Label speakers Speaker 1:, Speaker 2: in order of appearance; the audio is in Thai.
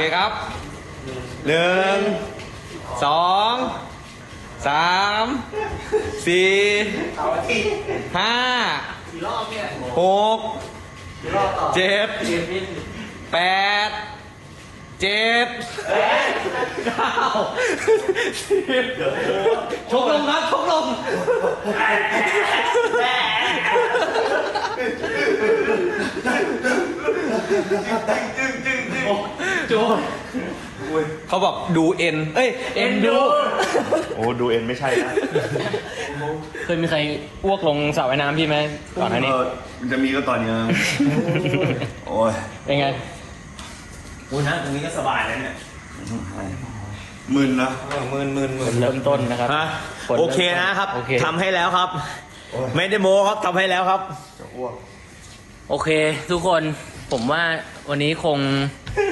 Speaker 1: ครับหนึ่งสองสามสี่ห้าหกเจ็ดแปดเจ็ดเก้าสิบชกลงครับชกลงโจเขาบอกดูเอ็นเอ้ยเอ็นดู
Speaker 2: โอ้ดูเอ็นไม่ใช่นะ
Speaker 3: เคยมีใครอ้วกลงสระว่ายน้ำพี่ไหมก่อนหน้านี้
Speaker 2: มันจะมีก็ตอนนี้นะโอ้ย
Speaker 3: เป็นไง
Speaker 4: คุณนะตรงนี้ก็สบายแล้วเนี่ย
Speaker 2: มึนนะ
Speaker 1: มืน
Speaker 3: เริ่มต้นนะครับ
Speaker 1: ฮะ
Speaker 3: ผล
Speaker 1: โอเคนะครับ
Speaker 3: โอเค
Speaker 1: ทำให้แล้วครับ ไม่ได้โม้ครับทำให้แล้วครับ
Speaker 2: จะอ้วก
Speaker 3: โอเค ทุกคนผมว่าวันนี้คง